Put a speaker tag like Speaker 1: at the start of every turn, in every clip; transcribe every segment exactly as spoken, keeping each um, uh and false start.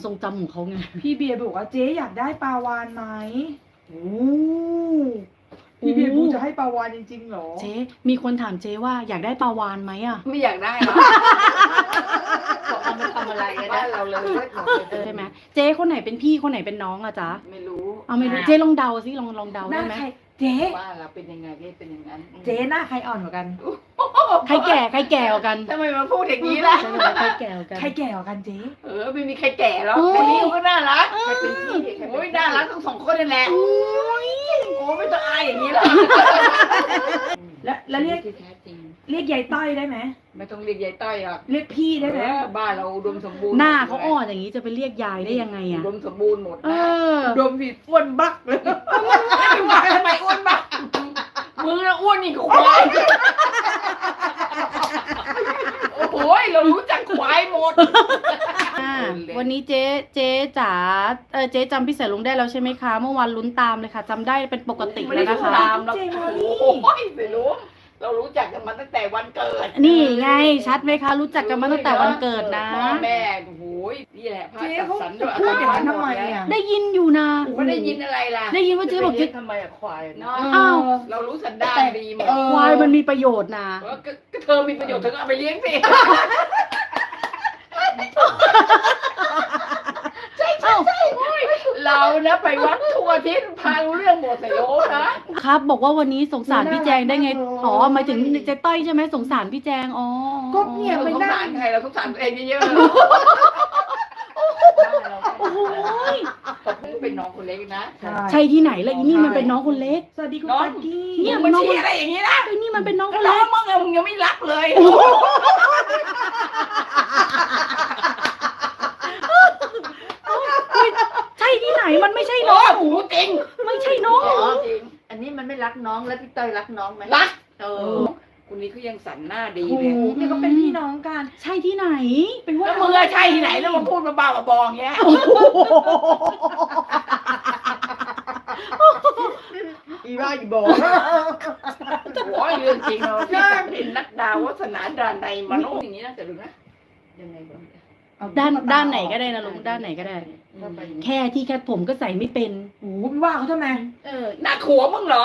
Speaker 1: ทรงจำของเขาไง
Speaker 2: พี่เบียร์บอกว่าเจ๊อยากได้ปลาวาฬไหมโอ้พี่เบียร์พูดจะให้ปลาวาฬจริงๆเหรอ
Speaker 1: เจ๊มีคนถามเจ๊ว่าอยากได้ปลาวาฬไหมอ่ะ
Speaker 3: ไม่อยากได้หรอกเอามาทำอะไรกันนะเราเลย
Speaker 1: ใช่ไหมเจ๊คนไหนเป็นพี่คนไหนเป็นน้องอะจ๊ะ
Speaker 3: ไม่รู้
Speaker 1: เอาไม่รู้เจ๊ลองเดาสิลองลองเดาได้ไหม
Speaker 2: เจ๊
Speaker 3: ว่าเราเป็นยังไงก็เป็นอย่างนั้น
Speaker 2: เจ๊หน้าใครอ่อนกว่ากัน
Speaker 1: ใครแก่ใครแก่กว่ากัน
Speaker 3: ทำไมมาพูดอย่างนี้ล่ะ
Speaker 1: ใครแก่กว่ากัน
Speaker 2: ใครแก่กว่ากันเจ๊
Speaker 3: เออไม่มีใครแก่หรอกคนนี้ก็น่ารักใครเป็นพี่โอ้ยน่ารักทั้งสองคนนั่นแหละโอ้ยโอ้ไม่ต้องอายอย่างนี้หรอก
Speaker 2: แล้วแล้วเรียกเรียกยายต้อยได้ไหม
Speaker 3: ไม่ต้องเรียกยายต้อยหรอก
Speaker 2: เรียกพี่ได้ไหม
Speaker 3: บ้านเราอุดมสมบูรณ์
Speaker 1: หน้าเขาอ่อนอย่างนี้จะไปเรียกยายได้ยังไงอะ
Speaker 3: อุดมสมบูรณ์หมดนะ
Speaker 2: อุดมผิดอ้วนบักเลย
Speaker 3: ไม่ว่าทำไมอ้วนบักมึงน่ะอ้วนนี่ควายโอ้โหเรารู้จักควายหมด
Speaker 1: วันนี้เจ๊เจ๊จ๋าเออเจ๊จำพี่เสลุงได้แล้วใช่ไหมคะเมื่อวานลุ้นตามเลยค่ะจำได้เป็นปกติแล้วนะคะ
Speaker 3: ตามเราโอ้ยไม่รู้เรารู้จักกันมาตั้งแต่วันเกิด
Speaker 1: นี่ไงชัดไหมคะรู้จักกันมาตั้งแต่วันเกิดนะ
Speaker 3: พ่อแม่โอ้โหนี่แหละพระจัดสรรด้วย
Speaker 2: พูดอย่างนั้นทำไมอ่ะ
Speaker 1: ได้ยินอยู่นะ
Speaker 3: ไม่ได้ยินอะไรล่ะ
Speaker 1: ได้ยินว่าเจ๊บอกเจ๊
Speaker 3: ทำไมอะควายเนาะ
Speaker 1: อ้าว
Speaker 3: เรารู้สันดานดีหมด
Speaker 1: ควายมันมีประโยชน์นะ
Speaker 3: ก็เธอมีประโยชน์เธอก็เอาไปเลี้ยงสิใช่ใช่ใช่เรานะไปวัดทั่วอาทิศพารู้เรื่องหมดใส่โลนะครับ
Speaker 1: บอกว่าวันนี้สงสารพี่แจงได้ไงอ๋อหมายถึงเจ๊ต้อยใช่ไหมสงสารพี่แจงอ๋อ
Speaker 2: ก็เนี่ย
Speaker 3: ไม่สงสารใครเราสงสารตัวเองเยอะๆ
Speaker 1: โอ้โห
Speaker 3: เป็นน้องคนเล็กนะ
Speaker 1: ใช่ที่ไหนล่ะอีนี่มันเป็นน้องคนเล็ก
Speaker 2: สวัสดีคุณตากี้
Speaker 3: เนี่ยมันชี้อะไรอย่างนี้นะ
Speaker 1: ไอ้นี่มันเป็นน้องคน
Speaker 3: เล็
Speaker 1: ก
Speaker 3: มึงมึงยังไม่รักเลย
Speaker 1: ใช่ที่ไหนมันไม่ใช่น้อง
Speaker 3: หูจริง
Speaker 1: ไม่ใช่น้อง
Speaker 3: จริงอันนี้มันไม่รักน้องแล้วพี่เตยรักน้องไหมรักเออคนนี้เขายังสันหน้าดีเลย
Speaker 2: นี่ก็เป็นพี่น้องกัน
Speaker 1: ใช่ที่ไหน
Speaker 3: เป็นว่ามือใช่ที่ไหนแล้วมาพูดมาบ้ามาบองเงี้ย
Speaker 2: อีบ้าอีบอก
Speaker 3: โอ้ยเรื่องจริงเราที่เป็นนักดาววัฒนาดานในมโนอย่างนี้นะแต่ดูนะยังไงบ้าง
Speaker 1: ด้านด้านไหนก็ได้นะลุงด้านไหนก็ได้แค่ที่แค่ผมก็ใส่ไม่เป็น
Speaker 2: โอ้พี่ว่าเขาทำไม
Speaker 3: เออหนักหัวมึงเหรอ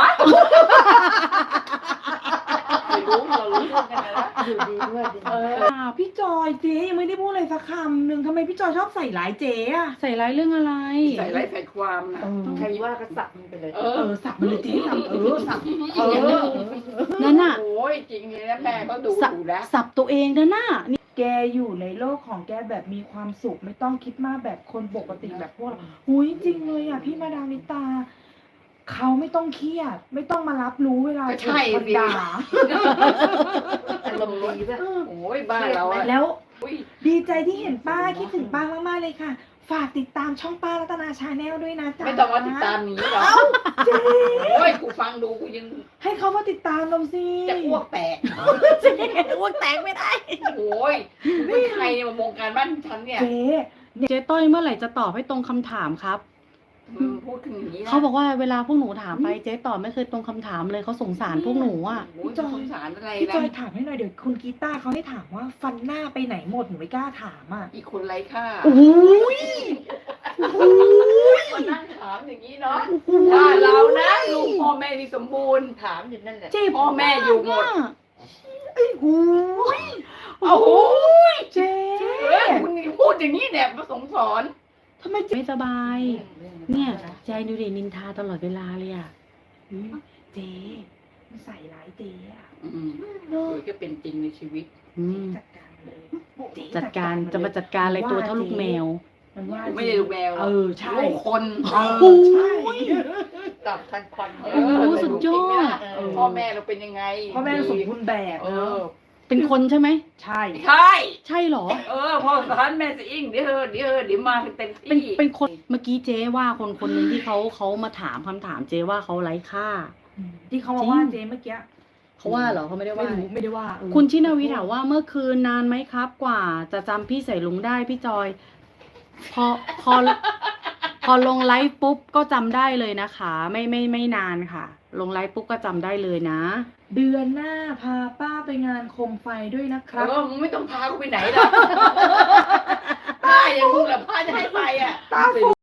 Speaker 3: ไม่รู้เรารู้เรื่องกันนะดูดีด้วย
Speaker 2: เออพี่จอยเจ๊ยังไม่ได้พูดอะไรสักคำหนึ่งทำไมพี่จอยชอบใส่ร้ายเจ๊อะ
Speaker 1: ใส่ร้ายเรื่องอะไร
Speaker 3: ใส่ร้ายใส่ความนะ
Speaker 2: ใครว่าก็สับมันไปเลยเออสับมันเลยเจ๊สับเออสับเออ
Speaker 1: นั่นน่ะ
Speaker 3: โอ้ยจริงเลยนะแม่ก็ดูดูแล้ว
Speaker 1: สับตัวเองนะน่ะ
Speaker 2: แกอยู่ในโลกของแกแบบมีความสุขไม่ต้องคิดมากแบบคนปกติแบบพวกเราหุยจริงเลยอ่ะพี่มาดามนิตาเขาไม่ต้องเครียดไม่ต้องมารับรู้เวลา
Speaker 3: ถูกคนด่าอารมณ์ดีด้วยโอ้ยบ้าเรา
Speaker 2: แล้วดีใจที่เห็นป้าคิดถึงป้ามากๆเลยค่ะฝากติดตามช่องป้ารัตนาชาแนลด้วยนะจ๊ะ
Speaker 3: ไม่ต้องมาติดตามนี้หรอก
Speaker 2: เจ๊
Speaker 3: โอ้ยกูฟังดูกูยัง
Speaker 2: ให้เขามาติดตามเราสิ
Speaker 3: จะอ้วกแตก
Speaker 1: จะอ้วกแตกไม่ได้
Speaker 3: โอ้ยไม่ใครมาวงการบ้านฉันเนี่ย
Speaker 2: เจ๊
Speaker 1: เจ๊ต้อยเมื่อไหร่จะตอบให้ตรงคำถามครับ
Speaker 3: พูดถึงอย่างนี้
Speaker 1: เขาบอกว่าเวลาพวกหนูถามไปเจ๊ตอบไม่เคยตรงคำถามเลยเขาสงสารพวกหนูอ่ะ
Speaker 3: พี่จอยสงสารอะไร
Speaker 2: พี่จอยถามให้หน่อยเดี๋ยวคุณกีตาร์เขาให้ถามว่าฟันหน้าไปไหนหมดหนูไม่กล้าถามอ่ะ
Speaker 3: อีกคนไร้ค่า
Speaker 2: โอ้ย
Speaker 3: มานั่งถามอย่างนี้เนาะถ้าเรานะลูกพ่อแม่ที่สมบูรณ์ถามอยู่นั่นแหละพ่อแม่อยู่หมด
Speaker 2: ไอ้หู
Speaker 3: โอ้โห
Speaker 2: เจ๊
Speaker 3: คุณพูดอย่างนี้เนี่ยมาสงสาร
Speaker 1: ทำไมไม่สบายเนี่ยใจดูดินินทาตลอดเวลาเลยอ่ะ
Speaker 2: เจ๊มันใส่ร้ายเจ๊อ่ะ
Speaker 3: โดยก็เป็นจริงในชีวิต
Speaker 2: จัดการเลย
Speaker 1: จัดการจะมาจัดการอะไรตัวเท่าลูกแมว
Speaker 2: มันว่า
Speaker 3: ไม่ได้ลูกแมว
Speaker 2: เออใช่
Speaker 3: ลูกคน
Speaker 2: เออใช่
Speaker 3: ตับทันควัน
Speaker 1: โอ้สุดยอด
Speaker 3: พ่อแม่เราเป็นยังไง
Speaker 2: พ่อแม่สมบูรณ์แบบเออ
Speaker 1: เป็นคนใช่ไหม
Speaker 2: ใช่
Speaker 3: ใช่
Speaker 1: ใช่หรอ
Speaker 3: เออพ่อสอนแม่จะอิงเดี๋ยวเดี๋ยวเดี๋ยวมาเต็มที่
Speaker 1: เป็นเป็นคนเมื่อกี้เจ๊ว่าคนคนหนึ่งที่เขาเขามาถามคำถามเจ๊ว่าเขาไร้ค่า
Speaker 2: ที่เขามาว่าเจ๊เมื่อกี้
Speaker 1: เขาว่าเหรอเขาไม่ได้ว่า
Speaker 2: ไม่ได้ว่า
Speaker 1: คุณชินาวิถามว่าเมื่อคืนนานไหมครับกว่าจะจำพี่ใส่ลุงได้พี่จอยพอพอพอลงไลฟ์ปุ๊บก็จำได้เลยนะคะไม่ไม่ไม่นานค่ะลงไลฟ์ปุ๊บก็จำได้เลยนะ
Speaker 2: เดือนหน้าพาป้าไปงานโคมไฟด้วยนะครับ
Speaker 3: เออมึงไม่ต้องพากูไปไหนหรอกพาบ้าอย่างมึงแหละพาจะให้ไปอ่ะ
Speaker 2: ตาฟู